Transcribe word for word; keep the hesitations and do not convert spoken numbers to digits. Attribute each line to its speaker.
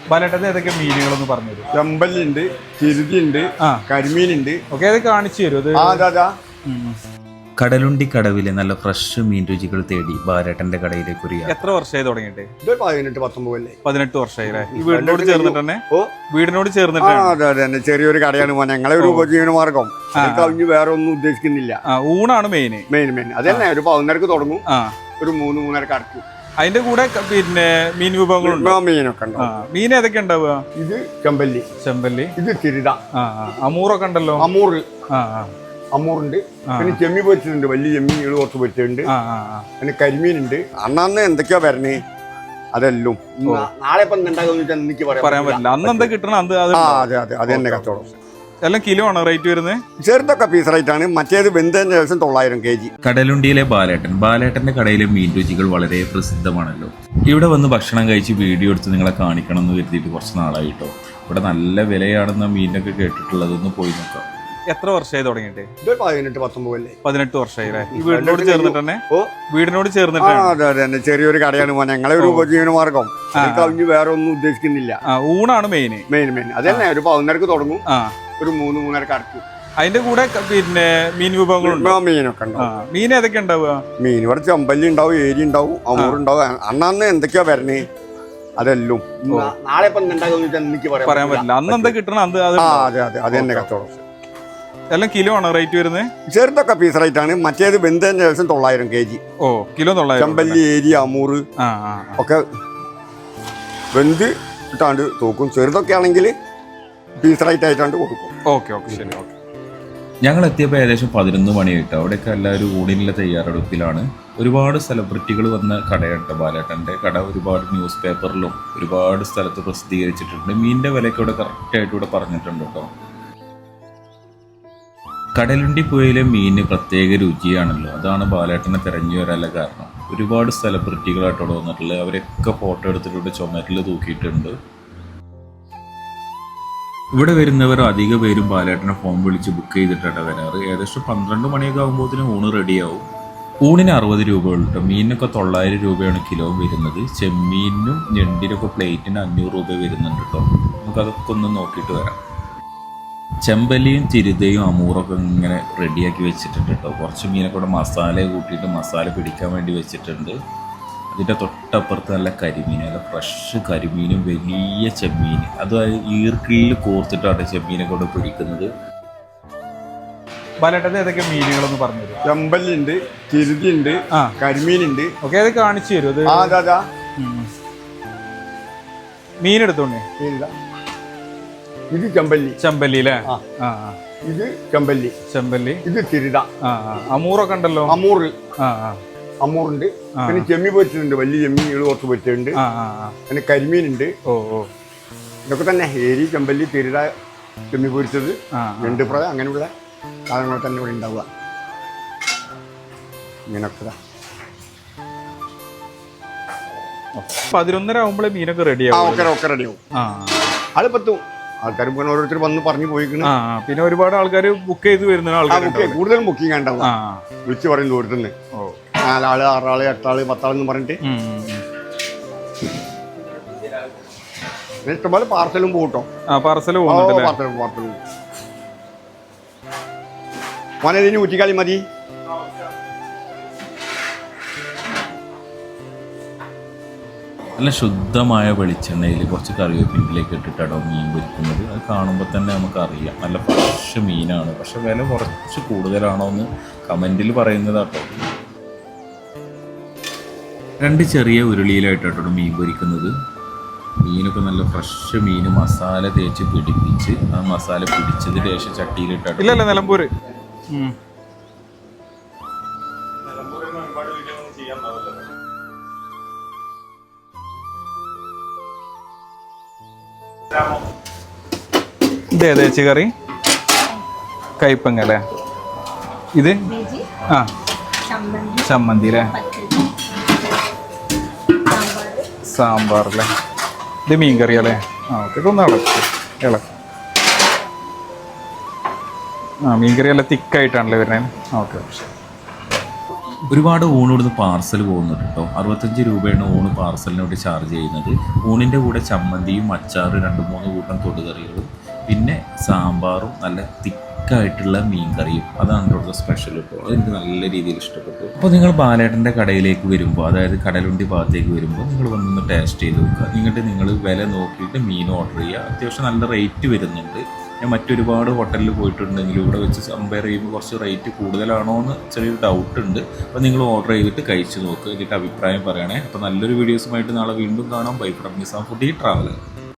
Speaker 1: ബാലേട്ടന് ഏതൊക്കെ മീനുകളൊന്ന് പറഞ്ഞു തരും?
Speaker 2: ചെമ്പല്ലുണ്ട്, ചിരുതിയുണ്ട്, കരിമീനുണ്ട്.
Speaker 1: ഓക്കെ, അത് കാണിച്ചു തരും.
Speaker 3: കടലുണ്ടി കടവിലെ നല്ല ഫ്രഷ് മീൻ രുചികൾ തേടി ബാലേട്ടന്റെ കടയിലേക്ക് ഒരു യാത്ര.
Speaker 1: എത്ര വർഷമായി തുടങ്ങിയിട്ട്?
Speaker 2: പതിനെട്ട് പത്തൊമ്പത്
Speaker 1: പതിനെട്ട് വർഷമായി. ഈ വീടിനോട് ചേർന്നിട്ട് തന്നെ വീടിനോട് ചേർന്നിട്ട്
Speaker 2: അതെ അതെ ചെറിയൊരു കടയാണ്. ഞങ്ങളെ ഒരു ഉപജീവന മാർഗം കവിഞ്ഞ് വേറെ ഒന്നും ഉദ്ദേശിക്കുന്നില്ല.
Speaker 1: ഊണാണ് മെയിൻ മെയിൻ
Speaker 2: മെയിൻ അത് തന്നെ. ഒരു പതിനൊന്നരക്ക് തുടങ്ങും, ഒരു മൂന്ന് മൂന്നരക്ക് അടക്കും.
Speaker 1: അതിന്റെ കൂടെ പിന്നെ മീൻ വിഭവങ്ങളുണ്ട്.
Speaker 2: മീനൊക്കെ ഉണ്ട്.
Speaker 1: മീൻ ഏതൊക്കെ ഉണ്ടാവുക?
Speaker 2: ഇത് ചെമ്പല്ലി, ചെമ്പല്ലി ഇത് തിരുത,
Speaker 1: അമൂറൊക്കെ ഉണ്ടല്ലോ.
Speaker 2: അമൂർ അമൂറുണ്ട്, പിന്നെ ചെമ്മി പൊരിച്ചിട്ടുണ്ട്. വലിയ ചെമ്മീനുകൾ കുറച്ച് പൊരിച്ചിട്ടുണ്ട്. പിന്നെ കരിമീനുണ്ട്. അന്നന്ന് എന്തൊക്കെയാ വരണേ അതെല്ലാം നാളെ ഇപ്പം എനിക്ക്
Speaker 1: പറയാൻ പറ്റില്ല. അന്ന് എന്താ കിട്ടണം അത്
Speaker 2: അതെ അതെ അത് തന്നെ കച്ചവടം.
Speaker 1: എല്ലാം കിലോ ആണ് റേറ്റ് വരുന്നത്.
Speaker 2: ചെറുതൊക്കെ പീസ് റേറ്റ് ആണ്. മറ്റേത് വെന്തതിന് ശേഷം തൊള്ളായിരം കെ ജി.
Speaker 3: കടലുണ്ടിയിലെ ബാലേട്ടൻ ബാലേട്ടന്റെ കടയിലെ മീൻ രുചികൾ വളരെ പ്രസിദ്ധമാണല്ലോ. ഇവിടെ വന്ന് ഭക്ഷണം കഴിച്ച് വീഡിയോ എടുത്ത് നിങ്ങളെ കാണിക്കണം എന്ന് കരുതിയിട്ട് കുറച്ച് നാളായിട്ടോ. ഇവിടെ നല്ല വിലയാണെന്ന മീനൊക്കെ കേട്ടിട്ടുള്ളതൊന്ന് പോയി നോക്കാം.
Speaker 1: എത്ര വർഷമായി തുടങ്ങിയിട്ട്?
Speaker 2: പതിനെട്ട് പത്തൊമ്പത്
Speaker 1: പതിനെട്ട് വർഷമായി. ഈ വീടിനോട് ചേർന്നിട്ട് തന്നെ വീടിനോട് ചേർന്നിട്ട്
Speaker 2: അതെ അതെ ചെറിയൊരു കടയാണ്. ഞങ്ങളെ ഒരു ഉപജീവന മാർഗം കവിഞ്ഞ് വേറെ ഒന്നും ഉദ്ദേശിക്കുന്നില്ല.
Speaker 1: ഊണാണ് മെയിൻ മെയിൻ
Speaker 2: മെയിൻ അത് തന്നെ. ഒരു പതിനൊന്നരക്ക് തുടങ്ങും, ഒരു മൂന്ന് മൂന്നരക്ക് അടക്കും.
Speaker 1: അതിന്റെ കൂടെ പിന്നെ മീൻ വിഭവങ്ങളുണ്ട്.
Speaker 2: മീനൊക്കെ ഉണ്ടാവും.
Speaker 1: മീൻ ഏതൊക്കെ ഉണ്ടാവുക?
Speaker 2: മീൻ ഇവിടെ ചെമ്പല്ലി ഉണ്ടാവും, ഏരി ഉണ്ടാവും, അമൂറുണ്ടാവും. അന്നന്ന് എന്തൊക്കെയാ വരണേ അതെല്ലാം നാളെ ഇപ്പം എനിക്ക്
Speaker 1: പറയാൻ പറ്റില്ല. അന്ന് എന്താ കിട്ടണം അത്
Speaker 2: അതെ അതെ അത് തന്നെ കച്ചവടം.
Speaker 1: എല്ലാം കിലോ ആണ് റേറ്റ് വരുന്നത്.
Speaker 2: ചെറുതൊക്കെ പീസ് റേറ്റ് ആണ്. മറ്റേത് വെന്തതിന് ശേഷം തൊള്ളായിരം കെ ജി.
Speaker 1: ഓ കിലോ തൊള്ളായിരം.
Speaker 2: ചെമ്പല്ലി, ഏരി, അമൂറ് ഒക്കെ വെന്ത് ഇട്ടാണ്ട് തൂക്കും. ചെറുതൊക്കെ ആണെങ്കിൽ പീസ് റേറ്റ് ആയിട്ടാണ്ട് കൊടുക്കും.
Speaker 1: ഓക്കെ ഓക്കെ ശരി ഓക്കെ.
Speaker 3: ഞങ്ങൾ എത്തിയപ്പോൾ ഏകദേശം പതിനൊന്ന് മണിയായിട്ട്. അവിടെയൊക്കെ എല്ലാവരും ഊണിനുള്ള തയ്യാറെടുപ്പിലാണ്. ഒരുപാട് സെലിബ്രിറ്റികൾ വന്ന കടയുണ്ട് ബാലേട്ടൻ്റെ കട. ഒരുപാട് ന്യൂസ് പേപ്പറിലും ഒരുപാട് സ്ഥലത്ത് പ്രസിദ്ധീകരിച്ചിട്ടുണ്ട്. മീനിൻ്റെ വിലയൊക്കെ ഇവിടെ കറക്റ്റായിട്ട് ഇവിടെ പറഞ്ഞിട്ടുണ്ട് കേട്ടോ. കടലുണ്ടി പുഴയിലെ മീനിന് പ്രത്യേക രുചിയാണല്ലോ. അതാണ് ബാലേട്ടനെ തിരഞ്ഞു വരാനുള്ള കാരണം. ഒരുപാട് സെലിബ്രിറ്റികളായിട്ട് ഇവിടെ വന്നിട്ടുള്ളത്. അവരൊക്കെ ഫോട്ടോ എടുത്തിട്ടുണ്ട്, ചുമരിൽ തൂക്കിയിട്ടുണ്ട്. ഇവിടെ വരുന്നവർ അധിക പേരും ബാലേട്ടനെ ഫോൺ വിളിച്ച് ബുക്ക് ചെയ്തിട്ടാണ് വരാറ്. ഏകദേശം പന്ത്രണ്ട് മണിയൊക്കെ ആകുമ്പോഴത്തേനും ഊണ് റെഡിയാവും. ഊണിന് അറുപത് രൂപ ഉള്ളൂ. മീനിനൊക്കെ തൊള്ളായിരം രൂപയാണ് കിലോ വരുന്നത്. ചെമ്മീനും ഞണ്ടിനൊക്കെ പ്ലേറ്റിന് അഞ്ഞൂറ് രൂപ വരുന്നുണ്ട് കേട്ടോ. നമുക്കതൊക്കെ ഒന്ന് നോക്കിയിട്ട് വരാം. ചെമ്പല്ലിയും ചിരുതയും അമൂറൊക്കെ ഇങ്ങനെ റെഡിയാക്കി വെച്ചിട്ടുണ്ട് കേട്ടോ. കുറച്ച് മീനൊക്കെ കൂടെ മസാല കൂട്ടിയിട്ട് മസാല പിടിക്കാൻ വേണ്ടി വെച്ചിട്ടുണ്ട്. അതിൻ്റെ തൊട്ടപ്പുറത്ത് നല്ല കരിമീൻ, നല്ല ഫ്രഷ് കരിമീനും വലിയ ചെമ്മീൻ. അത് ഈർക്കിളിൽ കോർത്തിട്ടാണ് ചെമ്മീനൊക്കെ ഇവിടെ പിടിക്കുന്നത്.
Speaker 1: ബാലേട്ടന് ഏതൊക്കെ മീനുകളൊന്ന് പറഞ്ഞു തരും?
Speaker 2: ചെമ്പല്ലുണ്ട്, ചിരുതിയുണ്ട്, കരിമീനുണ്ട്.
Speaker 1: ഓക്കെ, അത് കാണിച്ചു തരും. മീൻ എടുത്തോണ്ടേ.
Speaker 2: ഇത് ചെമ്പല്ലി,
Speaker 1: ചെമ്പല്ലി അല്ലേ?
Speaker 2: ഇത് ചെമ്പല്ലി, ചെമ്പല്ലി ഇത് തിരുത.
Speaker 1: അമൂറൊക്കെ ഉണ്ടല്ലോ.
Speaker 2: അമൂർ അമൂറുണ്ട്, പിന്നെ ചെമ്മി പൊരിച്ചിട്ടുണ്ട്. വലിയ ചെമ്മീനുകൾ കുറച്ച് പൊരിച്ചിട്ടുണ്ട്. പിന്നെ കരിമീനുണ്ട്.
Speaker 1: ഓ ഓ
Speaker 2: ഇതൊക്കെ തന്നെ. ഏരി, ചെമ്പല്ലി, തിരുത, ചെമ്മി പൊരിച്ചത്, രണ്ട് ഫ്രൈ, അങ്ങനെയുള്ള സാധനങ്ങൾ തന്നെ ഇവിടെ ഉണ്ടാവുക. ഇങ്ങനൊക്കെ
Speaker 1: പതിനൊന്നര ആവുമ്പോഴേ മീനൊക്കെ റെഡിയാവും.
Speaker 2: ഒക്കെ ഒക്കെ റെഡിയാവും. അത് പത്തും ആൾക്കാർ ഓരോരുത്തർ വന്ന് പറഞ്ഞു പോയിക്കണ്.
Speaker 1: പിന്നെ ഒരുപാട് ആൾക്കാർ ബുക്ക് ചെയ്ത് വരുന്ന ആൾക്കാർ
Speaker 2: കൂടുതലും ബുക്കിംഗ് ഉണ്ടാവും. വിളിച്ച് പറയും ദൂരത്തുനിന്ന് നാലാള്, ആറാള്, എട്ടാള്, പത്താളെന്ന് പറഞ്ഞിട്ട്. ഇഷ്ടംപോലെ പാർസലും പോട്ടോ.
Speaker 1: പാർസൽ
Speaker 2: പാർസലും പാർസലും മോനെ ഊറ്റിക്കാളി മതി.
Speaker 3: നല്ല ശുദ്ധമായ വെളിച്ചെണ്ണയിൽ കുറച്ച് കറിവേപ്പിലേക്ക് ഇട്ടിട്ടാണോ മീൻ പൊരിക്കുന്നത്. അത് കാണുമ്പോൾ തന്നെ നമുക്കറിയാം നല്ല ഫ്രഷ് മീനാണ്. പക്ഷെ വില കുറച്ച് കൂടുതലാണോ എന്ന് കമൻറ്റിൽ പറയുന്നതാട്ടോ. രണ്ട് ചെറിയ ഉരുളിയിലായിട്ടാട്ടോ മീൻ പൊരിക്കുന്നത്. മീനൊക്കെ നല്ല ഫ്രഷ് മീൻ മസാല തേച്ച് പിടിപ്പിച്ച് ആ മസാല പിടിച്ചതിന് ശേഷം ചട്ടിയിലിട്ടാട്ടോ.
Speaker 1: ഇല്ലല്ല നിലമ്പൂര് ഇതേ തേച്ച് കറി കയ്പങ്ങ അല്ലേ? ഇത് ആ ചമ്മന്തി അല്ലേ? സാമ്പാർ അല്ലേ? ഇത് മീൻ കറി അല്ലേ? ആ ഓക്കെ, ഒന്ന് ഇളക്ക് ഇളക്ക്. ആ മീൻ കറി നല്ല തിക്കായിട്ടാണല്ലേ വരുന്നത്. ഓക്കെ.
Speaker 3: ഒരുപാട് ഊണ് ഇവിടുന്ന് പാർസൽ പോകുന്നുണ്ട് കേട്ടോ. അറുപത്തഞ്ച് രൂപയാണ് ഊണ് പാർസലിന് വേണ്ടി ചാർജ് ചെയ്യുന്നത്. ഊണിൻ്റെ കൂടെ ചമ്മന്തിയും അച്ചാറ് രണ്ട് മൂന്ന് കൂട്ടം തൊടുകറികളും പിന്നെ സാമ്പാറും നല്ല തിക്കായിട്ടുള്ള മീൻ കറിയും. അതാണ് ഇവിടുത്തെ സ്പെഷ്യൽ കേട്ടോ. അതെനിക്ക് നല്ല രീതിയിൽ ഇഷ്ടപ്പെട്ടു. അപ്പോൾ നിങ്ങൾ ബാലേട്ടൻ്റെ കടയിലേക്ക് വരുമ്പോൾ, അതായത് കടലുണ്ടി ഭാഗത്തേക്ക് വരുമ്പോൾ നിങ്ങൾ വന്നൊന്ന് ടേസ്റ്റ് ചെയ്ത് നോക്കുക. എന്നിട്ട് നിങ്ങൾ വില നോക്കിയിട്ട് മീൻ ഓർഡർ ചെയ്യുക. അത്യാവശ്യം നല്ല റേറ്റ് വരുന്നുണ്ട്. ഞാൻ മറ്റൊരുപാട് ഹോട്ടലിൽ പോയിട്ടുണ്ടെങ്കിലും ഇവിടെ വെച്ച് കമ്പയർ ചെയ്യുമ്പോൾ കുറച്ച് റേറ്റ് കൂടുതലാണോ എന്ന് ചെറിയൊരു ഡൗട്ട് ഉണ്ട്. അപ്പോൾ നിങ്ങൾ ഓർഡർ ചെയ്തിട്ട് കഴിച്ച് നോക്കുക, എന്നിട്ട് അഭിപ്രായം പറയണേ. അപ്പോൾ നല്ലൊരു വീഡിയോസുമായിട്ട് നാളെ വീണ്ടും കാണാം. Bye from Nizam foodie traveller.